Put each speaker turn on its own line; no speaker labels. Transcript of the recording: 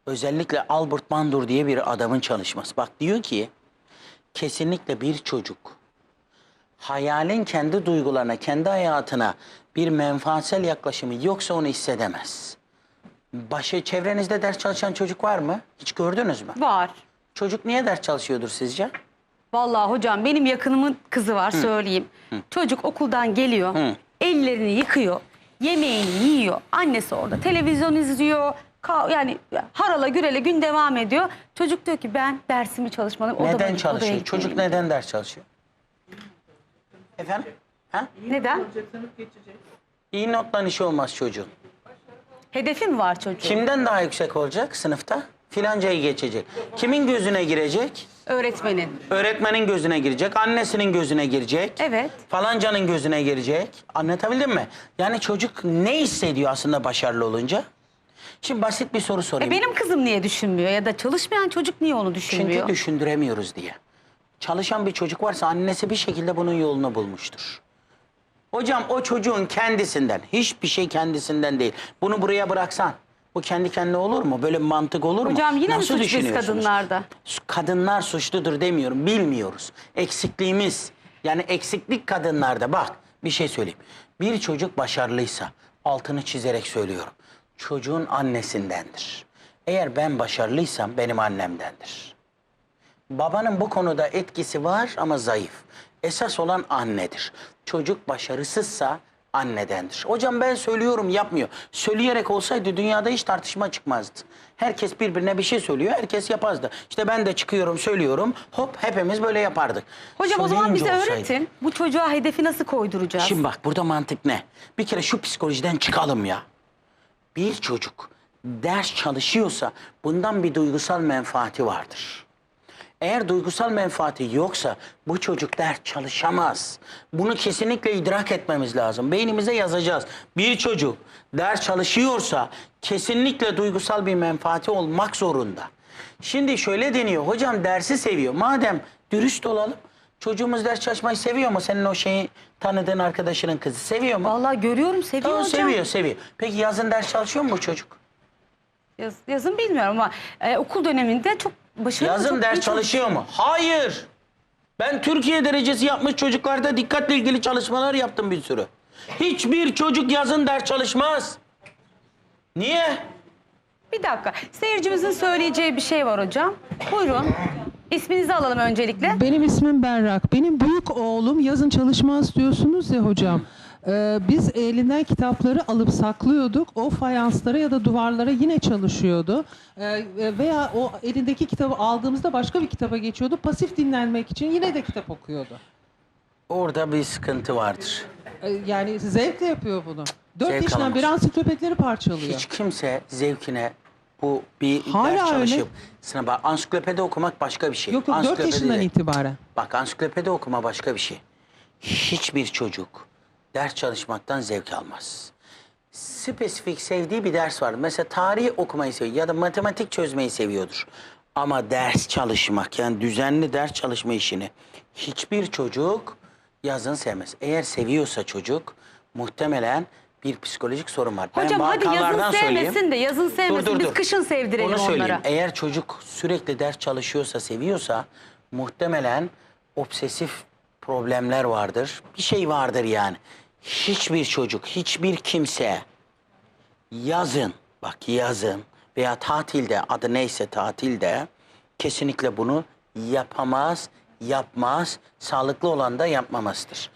Özellikle Albert Bandura diye bir adamın çalışması. Bak diyor ki kesinlikle bir çocuk hayalin kendi duygularına, kendi hayatına bir menfaatsel yaklaşımı yoksa onu hissedemez. Çevrenizde ders çalışan çocuk var mı? Hiç gördünüz mü?
Var.
Çocuk niye ders çalışıyordur sizce?
Vallahi hocam benim yakınımın kızı var söyleyeyim. Çocuk okuldan geliyor, ellerini yıkıyor, yemeğini yiyor. Annesi orada televizyon izliyor. Yani harala gürele gün devam ediyor. Çocuk diyor ki ben dersimi çalışmalıyım.
Neden çalışıyor? Çocuk neden ders çalışıyor? Efendim? Ha?
Neden?
İyi notla işi olmaz çocuğun.
Hedefi mi var çocuğun?
Kimden daha yüksek olacak sınıfta? Filancayı geçecek. Kimin gözüne girecek?
Öğretmenin.
Öğretmenin gözüne girecek, annesinin gözüne girecek.
Evet.
Falancanın gözüne girecek. Anlatabildim mi? Yani çocuk ne hissediyor aslında başarılı olunca? Şimdi basit bir soru sorayım.
Benim kızım niye düşünmüyor ya da çalışmayan çocuk niye onu düşünmüyor?
Çünkü düşündüremiyoruz diye. Çalışan bir çocuk varsa annesi bir şekilde bunun yolunu bulmuştur. Hocam o çocuğun kendisinden, hiçbir şey kendisinden değil. Bunu buraya bıraksan, bu kendi kendine olur mu? Böyle bir mantık olur mu?
Hocam yine mi
Nasıl
suç biz
düşünüyorsunuz?
kadınlarda?
Kadınlar suçludur demiyorum, bilmiyoruz. Eksikliğimiz, yani eksiklik kadınlarda. Bak bir şey söyleyeyim. Bir çocuk başarılıysa, altını çizerek söylüyorum, çocuğun annesindendir. Eğer ben başarılıysam benim annemdendir. Babanın bu konuda etkisi var ama zayıf. Esas olan annedir. Çocuk başarısızsa annedendir. Hocam ben söylüyorum yapmıyor. Söyleyerek olsaydı dünyada hiç tartışma çıkmazdı. Herkes birbirine bir şey söylüyor, herkes yapazdı. İşte ben de çıkıyorum, söylüyorum, hop hepimiz böyle yapardık.
Hocam o zaman bize
Söyleyince
öğretin. Bu çocuğa hedefi nasıl koyduracağız?
Şimdi bak burada mantık ne? Bir kere şu psikolojiden çıkalım ya. Bir çocuk ders çalışıyorsa bundan bir duygusal menfaati vardır. Eğer duygusal menfaati yoksa bu çocuk ders çalışamaz. Bunu kesinlikle idrak etmemiz lazım. Beynimize yazacağız. Bir çocuk ders çalışıyorsa kesinlikle duygusal bir menfaati olmak zorunda. Şimdi şöyle deniyor. Hocam dersi seviyor. Madem dürüst olalım. Çocuğumuz ders çalışmayı seviyor mu? Senin o şeyi tanıdığın arkadaşının kızı seviyor mu?
Vallahi görüyorum seviyor
Tamam,
hocam.
seviyor. Peki yazın ders çalışıyor mu bu çocuk?
Yazın bilmiyorum ama okul döneminde çok başarılı.
Yazın
çok
ders
iyi
çalışıyor mu? Hayır. Ben Türkiye derecesi yapmış çocuklarda dikkatle ilgili çalışmalar yaptım bir sürü. Hiçbir çocuk yazın ders çalışmaz. Niye?
Bir dakika. Seyircimizin söyleyeceği bir şey var hocam. Buyurun. İsminizi alalım öncelikle.
Benim ismim Berrak. Benim büyük oğlum yazın çalışmaz diyorsunuz ya hocam. Biz elinden kitapları alıp saklıyorduk. O fayanslara ya da duvarlara yine çalışıyordu. Veya o elindeki kitabı aldığımızda başka bir kitaba geçiyordu. Pasif dinlenmek için yine de kitap okuyordu.
Orada bir sıkıntı vardır.
Yani zevkle yapıyor bunu. 4
Zevk
yaşından
alamaz.
beri ansiklopedileri parçalıyor.
Hiç kimse zevkine bu bir
Hala
ders
öyle.
çalışıp sınava ansiklopedi okumak başka bir şey.
Yok 4
Ansiklopedi
yaşından
de-
itibaren.
Bak ansiklopedi okuma başka bir şey. Hiçbir çocuk ders çalışmaktan zevk almaz. Spesifik sevdiği bir ders var. Mesela tarih okumayı seviyor ya da matematik çözmeyi seviyordur. Ama ders çalışmak, yani düzenli ders çalışma işini hiçbir çocuk yazın sevmez. Eğer seviyorsa çocuk muhtemelen bir psikolojik sorun var.
Hocam hadi yazın
vakalardan
sevmesin de yazın sevmesin. Biz kışın sevdirelim
Onu söyleyeyim.
onlara.
Eğer çocuk sürekli ders çalışıyorsa, seviyorsa muhtemelen obsesif problemler vardır. Bir şey vardır yani. Hiçbir çocuk, hiçbir kimse yazın, bak yazın veya tatilde, adı neyse tatilde kesinlikle bunu yapamaz, yapmaz, sağlıklı olan da yapmamasıdır.